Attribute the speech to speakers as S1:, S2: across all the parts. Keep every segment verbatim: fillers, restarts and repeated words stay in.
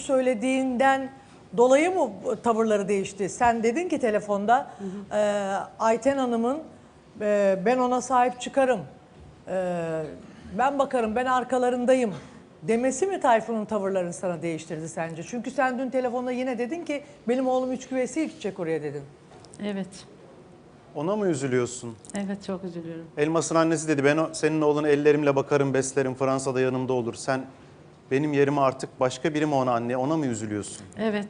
S1: söylediğinden dolayı mı tavırları değişti? Sen dedin ki telefonda hı hı. E, Ayten Hanım'ın e, ben ona sahip çıkarım, e, ben bakarım, ben arkalarındayım demesi mi Tayfun'un tavırlarını sana değiştirdi sence? Çünkü sen dün telefonda yine dedin ki benim oğlum üç güveysi gidecek oraya dedin.
S2: Evet.
S3: Ona mı üzülüyorsun?
S2: Evet, çok üzülüyorum.
S3: Elmas'ın annesi dedi ben o, senin oğlunu ellerimle bakarım, beslerim, Fransa'da yanımda olur. Sen benim yerime artık başka biri mi ona anne? Ona mı üzülüyorsun?
S2: Evet.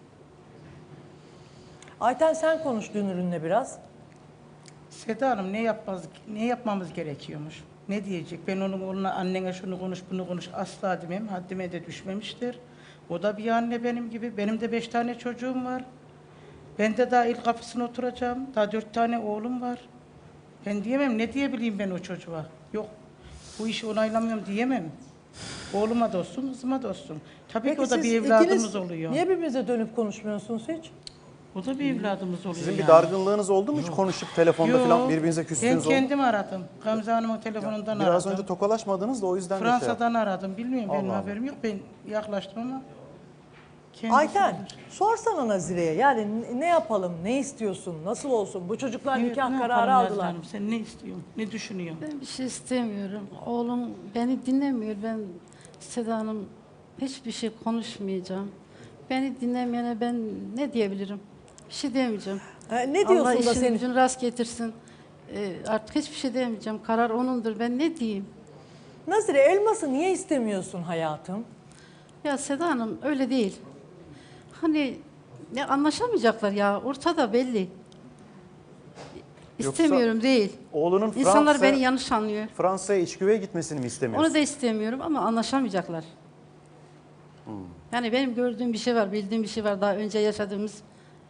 S1: Ayten sen konuş Dünür'ünle biraz.
S4: Seda Hanım ne yapmaz, ne yapmamız gerekiyormuş? Ne diyecek? Ben onun oğluna annene şunu konuş, bunu konuş asla demem. Haddime de düşmemiştir. O da bir anne benim gibi. Benim de beş tane çocuğum var. Ben de daha ilk kapısına oturacağım. Daha dört tane oğlum var. Ben diyemem. Ne diyebileyim ben o çocuğa? Yok. Bu işi onaylamıyorum diyemem. Oğluma da olsun, kızıma da olsun. Tabii ki o da
S1: siz
S4: bir evladımız
S1: ikiniz
S4: oluyor.
S1: niye birbirinize dönüp konuşmuyorsunuz hiç?
S4: O da bir evladımız oluyor.
S3: Sizin
S4: yani.
S3: bir dargınlığınız oldu mu hiç konuşup telefonda
S4: Yok.
S3: falan birbirinize
S4: Ben
S3: küstüğünüz oldu mu?
S4: kendim aradım. Gamze Hanım'ın telefonundan aradım.
S3: Biraz önce tokalaşmadınız da o yüzden de şey
S4: Fransa'dan aradım. Bilmiyorum benim
S3: Allah Allah.
S4: haberim yok. Ben yaklaştım ama. kendisi
S1: Ayten
S4: bilir.
S1: sorsana Nazire'ye yani ne yapalım, ne istiyorsun, nasıl olsun? Bu çocuklar
S4: Evet,
S1: nikah
S4: ne
S1: kararı
S4: yapalım Nazlı
S1: aldılar.
S4: Hanım? Sen ne istiyorsun? Ne düşünüyorsun?
S2: Ben bir şey istemiyorum. Oğlum beni dinlemiyor. Ben Seda Hanım hiçbir şey konuşmayacağım. Beni dinlemeyene ben ne diyebilirim? Bir şey diyemeyeceğim.
S1: Ha, ne
S2: Allah
S1: diyorsun da
S2: işin
S1: senin?
S2: gücünü rast getirsin. Ee, artık hiçbir şey diyemeyeceğim. Karar onundur. Ben ne diyeyim?
S1: Nazire Elmas'ı niye istemiyorsun hayatım?
S2: Ya Seda Hanım öyle değil. Hani ya anlaşamayacaklar ya. Ortada belli.
S3: Yoksa
S2: İstemiyorum değil.
S3: Oğlunun
S2: İnsanlar
S3: Fransa-
S2: beni yanlış anlıyor.
S3: Fransa'ya iç güveye gitmesini mi istemiyorsun?
S2: Onu da istemiyorum ama anlaşamayacaklar.
S3: Hmm.
S2: Yani benim gördüğüm bir şey var, bildiğim bir şey var daha önce yaşadığımız.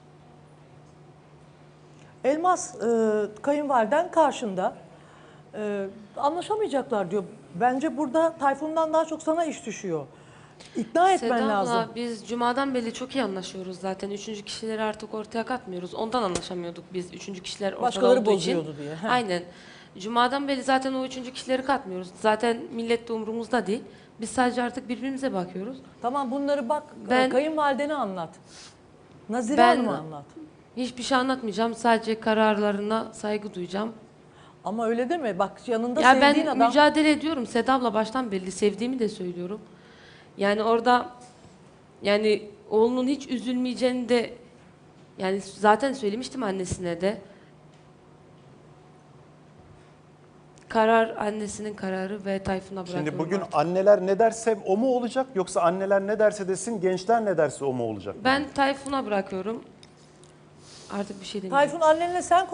S1: Elmas e, kayınvaliden karşında e, anlaşamayacaklar diyor. Bence burada Tayfun'dan daha çok sana iş düşüyor. İkna etmen
S5: Seda abla,
S1: lazım.
S5: biz Cuma'dan beri çok iyi anlaşıyoruz zaten. Üçüncü kişileri artık ortaya katmıyoruz. Ondan anlaşamıyorduk biz. Üçüncü kişiler ortada
S1: Başkaları
S5: olduğu için.
S1: bozuyordu diye. He.
S5: Aynen. Cuma'dan beri zaten o üçüncü kişileri katmıyoruz. Zaten millet de umurumuzda değil. Biz sadece artık birbirimize bakıyoruz.
S1: Tamam bunları bak
S5: Ben-
S1: kayınvalidene anlat. Nazire
S5: Ben-
S1: Hanım'a anlat.
S5: Hiçbir şey anlatmayacağım. Sadece kararlarına saygı duyacağım.
S1: Ama öyle deme bak yanında
S5: Ya
S1: sevdiğin
S5: ben
S1: adam.
S5: mücadele ediyorum. Seda abla baştan belli. Sevdiğimi de söylüyorum. Yani orada yani oğlunun hiç üzülmeyeceğini de yani zaten söylemiştim annesine de. Karar annesinin kararı ve Tayfun'a bırakıyorum.
S3: Şimdi bugün
S5: artık.
S3: anneler ne derse o mu olacak yoksa anneler ne derse desin gençler ne derse o mu olacak?
S5: Ben Tayfun'a bırakıyorum. Artık bir şey demeyeceğim.
S1: Tayfun annenle sen